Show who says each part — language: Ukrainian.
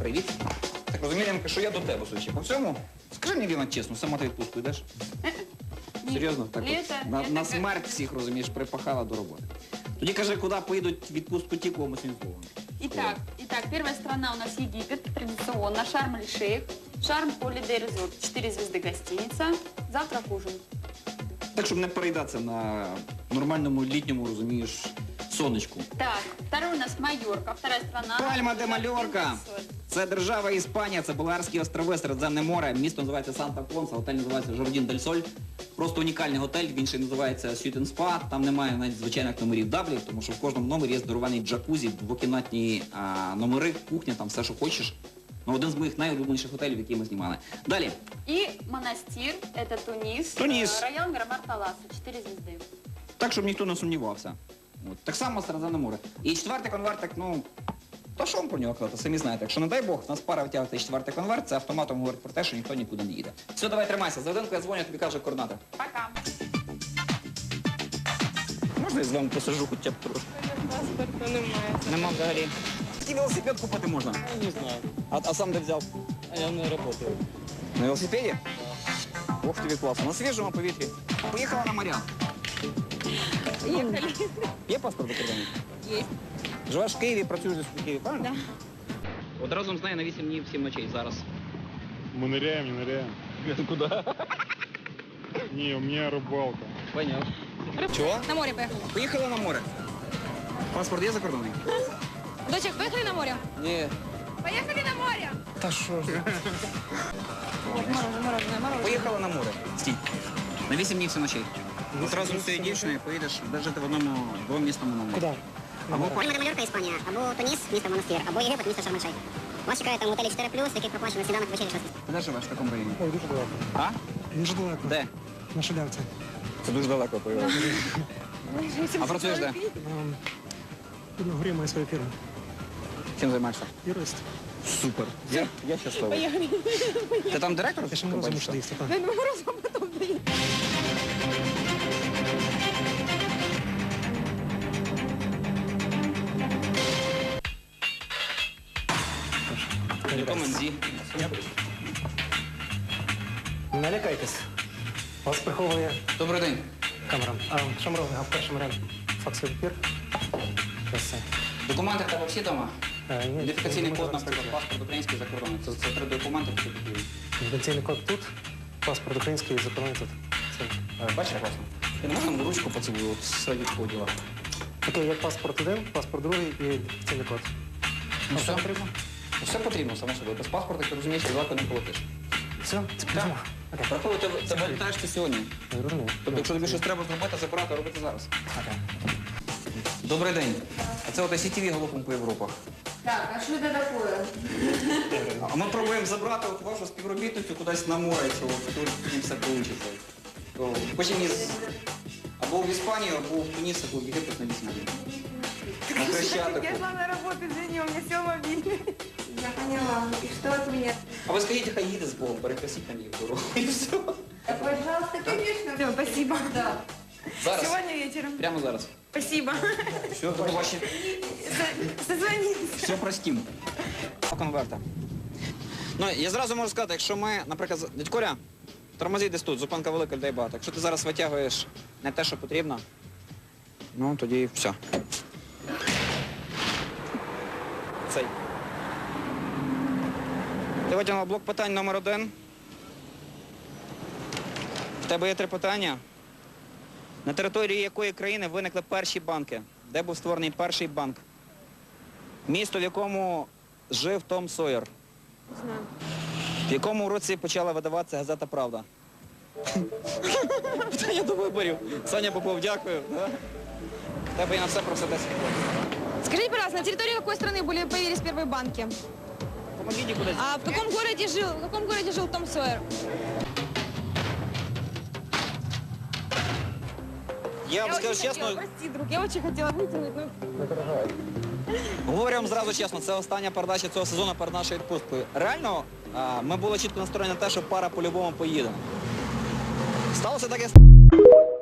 Speaker 1: Привіт. Так розумію, Янка, що я до тебе, судячи по всьому. Скажи мені, Ліна, чесно, сама ти відпустку йдеш? Серйозно? Так от, на смерть всіх, розумієш, припахала до роботи. Тоді кажи, куди поїдуть відпустку ті, кому сінзовано.
Speaker 2: Итак, первая страна у нас Египет, традиционно, Шарм-эль-Шейх, Шарм Холидей Резорт, 4 звезды гостиница, завтрак, ужин.
Speaker 1: Так, щоб не переїдатися на нормальному літньому, розумієш, сонечку.
Speaker 2: Так, второй у нас Майорка, вторая страна.
Speaker 1: Пальма де Мальорка. Це держава Іспанія, це Балеарські острови, Середземне море. Місто називається Санта-Понса, готель називається Жардін дель Соль. Просто унікальний готель, він ще називається Сютен Спа. Там немає навіть звичайних номерів даблів, тому що в кожному номері є здорований джакузі, двокімнатні номери, кухня, там все, що хочеш. Ну, один з моїх найулюбленіших готелів, які ми знімали. Далі.
Speaker 2: И монастырь, это Тунис.
Speaker 1: Тунис.
Speaker 2: Район Грамар Таласа, 4 звезды.
Speaker 1: Так, щоб ніхто не сумнівався. От. Так само Середземне море. І четвертий конвертик, ну, то що вам про нього казати, самі знаєте. Якщо, не дай Бог, нас пара витягувати четвертий конверт, це автоматом говорить про те, що ніхто нікуди не їде. Все, давай тримайся. За годинку я дзвоню, тобі каже координати.
Speaker 2: Пока.
Speaker 1: Можна я з вами посажу хоча б трошки?
Speaker 3: Паспорту немає.
Speaker 1: Нема взагалі. Який велосипед купити можна?
Speaker 3: Я не знаю.
Speaker 1: А сам де взяв?
Speaker 3: А я не працюю.
Speaker 1: На велосипеді? Ох, тобі класно. На свіжому повітрі. Поїхала на моря.
Speaker 3: Поїхали.
Speaker 1: Є паспорт закордонний?
Speaker 3: Є.
Speaker 1: Живеш в Києві, працюєш десь в Києві, правильно? Так. Да. От разом з нею на 8 днів, 7 ночей зараз.
Speaker 4: Мы ныряем, не ныряем.
Speaker 1: Куди?
Speaker 4: Не, у меня рыбалка.
Speaker 1: Поняв. Чого?
Speaker 5: На море поехали.
Speaker 1: Поїхали на море. Паспорт є закордонний?
Speaker 5: Дочек, поехали на море?
Speaker 1: Ні.
Speaker 5: Поехали на море!
Speaker 1: Та що ж?
Speaker 5: Мороженое.
Speaker 1: Поїхали на море. Стій. На 8 днів, 7 ночей. От разом з цією дівчиною поїдеш жити в одному двомісному номері.
Speaker 6: Куда?
Speaker 1: Або
Speaker 7: Пальма де Мальорка, Іспанія, або Туніс, місто Монастир, або Єгипет, місто Шарм-ель-Шейх. Вас чекає там готелі 4+, який проплачено сніданок, вечеря, щось.
Speaker 1: Ти де живеш в такому районі?
Speaker 6: Ой, дуже далеко.
Speaker 1: А?
Speaker 6: Дуже далеко.
Speaker 1: Де?
Speaker 6: На Шалявці.
Speaker 1: Це дуже далеко, поїхав. А працюєш де?
Speaker 6: На горі має свою фірму.
Speaker 1: Чим займаєшся?
Speaker 6: Юрист.
Speaker 1: Супер. Я щасливий. Ти там директор?
Speaker 6: Я ще морозом мушу доїсти, так.
Speaker 1: Команді.
Speaker 6: Не лякайтесь. Вас приховує
Speaker 1: Добрий день.
Speaker 6: камера. Що ми робимо? Перший варіант. Факсовий папір. Ось це.
Speaker 1: Документи в тебе всі дома?
Speaker 6: Ні,
Speaker 1: Ідентифікаційний
Speaker 6: ми
Speaker 1: код,
Speaker 6: зараз
Speaker 1: наприклад,
Speaker 6: покажемо.
Speaker 1: паспорт український закордонний. Це три документи, які потрібні.
Speaker 6: Ідентифікаційний код тут. Паспорт український, закордонний тут. Це.
Speaker 1: Бачиш, класно. Ти не можеш там ручку поцілую, от серед поділа.
Speaker 6: Окей, як паспорт один, паспорт другий і ідентифікаційний код.
Speaker 1: Ну все потрібно? Все потрібно, само собою. Без паспорта, ти розумієш, далеко не полетиш.
Speaker 6: Все, це прямо. Окей.
Speaker 1: Рахую, тебе літаєш ти сьогодні.
Speaker 6: Я зрозумів.
Speaker 1: Тобто, якщо тобі щось треба зробити, забирати, робити зараз.
Speaker 6: Окей.
Speaker 1: Добрий день. А це от ICTV галопом по Європах.
Speaker 2: Так, а что это такое?
Speaker 1: А ми пробуємо забрати от вашу співробітницю кудись на море, що тут тоді все вийде. Потім або в Іспанію, або в Туніс, або в Єгипет на 8 днів. На Хрещатику.
Speaker 3: Я шла на работу, извини, у меня все мобильный. Я поняла. И что от меня?
Speaker 1: А ви скажіть, хай їде з Богом, перекресіть там їх дорогу і все.
Speaker 3: Пожалуйста, конечно. Все, спасибо. Да.
Speaker 1: Зараз.
Speaker 3: Сегодня вечером.
Speaker 1: Прямо зараз.
Speaker 3: Спасибо.
Speaker 1: Все, до побачення.
Speaker 3: Созвонимся.
Speaker 1: Все простім. Конверта. Ну, я зразу можу сказати, якщо ми, наприклад, дядь Коля, тормозіть десь тут, зупинка велика, людей багато. Якщо ти зараз витягуєш не те, що потрібно, ну тоді все. Цей. Ти витягнув блок питань номер 1. В тебе є 3 питання. На території якої країни виникли перші банки? Де був створений перший банк? Місто, в якому жив Том Сойер.
Speaker 3: Знаю.
Speaker 1: В якому році почала видаватися газета «Правда»? Питання до виборів. Саня Попов, дякую. Да? В тебе є на все про все 10 секунд.
Speaker 5: Скажите, пожалуйста, на территории какой страны появились первые банки?
Speaker 1: Помогите кудись.
Speaker 5: А в каком городе жил Том Сойер?
Speaker 1: Я вам скажу чесно,
Speaker 5: Прости, друг, я очень хотела вытянуть, но...
Speaker 1: говорю вам зразу чесно, це остання передача цього сезону перед нашою відпусткою. Реально, ми були чітко настроєні на те, що пара по-любому поїде. Сталося таке.